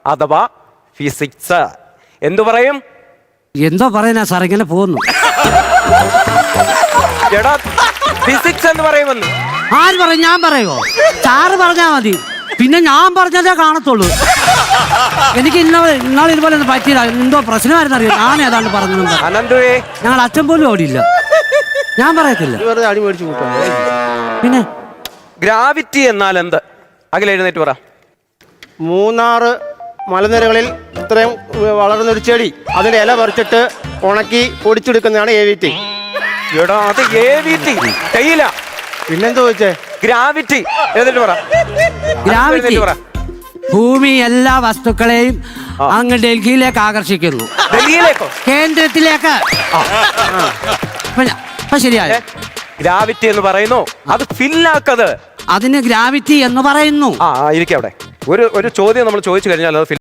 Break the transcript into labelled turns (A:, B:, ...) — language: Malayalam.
A: അഥവാ ഫിസിക്സ്. എന്തു പറയും?
B: എന്തോ പറയുന്ന സാർ, ഇങ്ങനെ പോകുന്നു.
A: എടാ ഫിസിക്സ് എന്ന് പറയുമെന്ന്
B: ആര് പറയും? ഞാൻ പറയുമോ? സാറ് പറഞ്ഞാ മതി, പിന്നെ ഞാൻ പറഞ്ഞതേ കാണത്തുള്ളൂ. എനിക്ക് ഇന്നാൾ ഇതുപോലെ ഒന്നും പറ്റിയില്ല. എന്തോ പ്രശ്നമായിരുന്നു അറിയാം. ഞാൻ ഏതാണ്ട് പറഞ്ഞു.
A: അനന്തുവേ,
B: ഞങ്ങൾ അച്ഛൻ പോലും ഓടിയില്ല. ഞാൻ പറയത്തില്ല. പിന്നെ
A: ഗ്രാവിറ്റി എന്നാൽ എന്ത്? അഖിൽ എഴുന്നേറ്റ് പറ.
C: മൂന്നാറ് മലനിരകളിൽ ഇത്രയും വളർന്നൊരു ചെടി, അതിന്റെ ഇല പറിച്ചിട്ട് ഉണക്കി പൊടിച്ചെടുക്കുന്നതാണ് AVT.
A: എടാ അത് AVT ചെയ്യില്ല.
C: പിന്നെന്താ ചോദിച്ചേ?
A: ഗ്രാവിറ്റി. എഴുന്നേറ്റ് പറ.
B: ഗ്രാവിറ്റി ഭൂമി എല്ലാ വസ്തുക്കളെയും അങ്ങ് ഡൽഹിയിലേക്ക് ആകർഷിക്കുന്നു.
A: ഡൽഹിയിലേക്കോ?
B: കേന്ദ്രത്തിലേക്ക്. ശരിയായ
A: ഗ്രാവിറ്റി എന്ന് പറയുന്നു. അത് ഫില്ലാക്കത്.
B: അതിന് ഗ്രാവിറ്റി എന്ന് പറയുന്നു.
A: ഇരിക്കവിടെ. ഒരു ചോദ്യം നമ്മൾ ചോദിച്ചു കഴിഞ്ഞാൽ അത്